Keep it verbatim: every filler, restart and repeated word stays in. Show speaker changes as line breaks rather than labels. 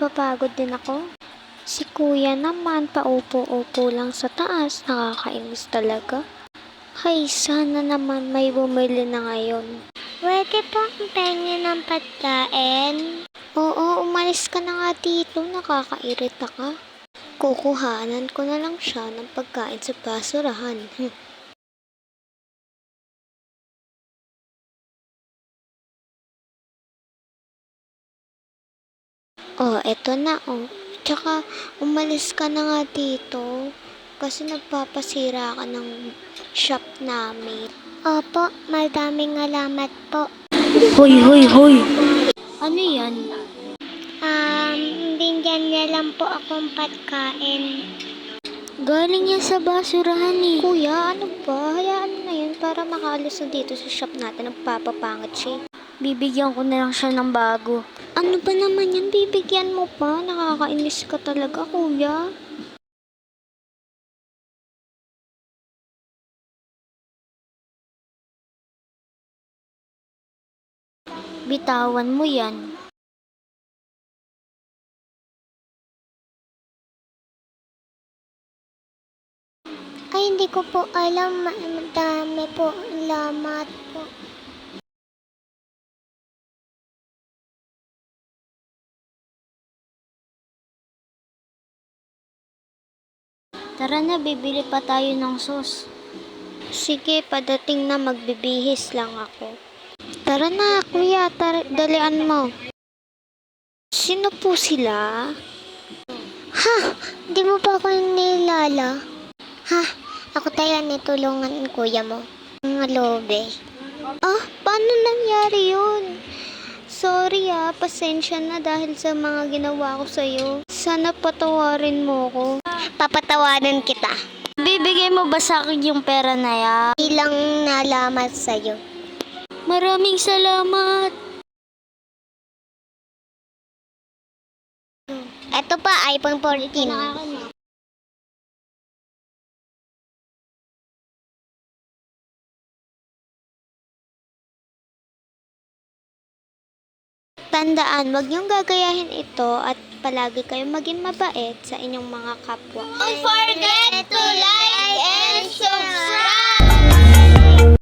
napapagod din ako. Si kuya naman paupo-upo lang sa taas, nakakainis talaga. Hay, sana naman may bumili na ngayon.
Pwede po ang pengen ng pagkain?
Oo, umalis ka na nga dito, nakakairita ka. Kukuhanan ko na lang siya ng pagkain sa basurahan. Hm. Oh, eto na oh. Tsaka, umalis ka na nga dito. Kasi nagpapasira ka ng shop namin.
Opo, madaming alamat po.
Hoy, hoy, hoy! Ano yan?
Um, bigyan niya lang po akong pagkain.
Galing yan sa basurahan eh. Kuya, ano ba? Hayaan mo na yun para makaalis na dito sa shop natin. Nagpapapangit siya. Bibigyan ko na lang siya ng bago. Ano ba naman yan? Bibigyan mo pa? Nakakainis ka talaga, kuya. Bitawan mo yan.
Ay, hindi ko po alam. Madami po. Alamat po.
Tara na, bibili pa tayo ng sauce. Sige, padating na, magbibihis lang ako. Tara na, kuya, tar- dalian mo. Sino po sila?
Ha? Di mo pa ako nilala? Ha? Ako tayo nitulungan ng kuya mo. Ang lobe.
Ah, paano nangyari yun? Sorry ah, pasensya na dahil sa mga ginawa ko sa'yo. Sana patawarin mo ko.
Papatawanan kita.
Bibigay mo ba sa akin yung pera na yan?
Ilang nalamat sa'yo.
Maraming salamat.
Eto pa, iPhone fourteen.
Tandaan, wag niyong gagayahin ito at palagi kayong maging mabait sa inyong mga kapwa.
Don't forget to like!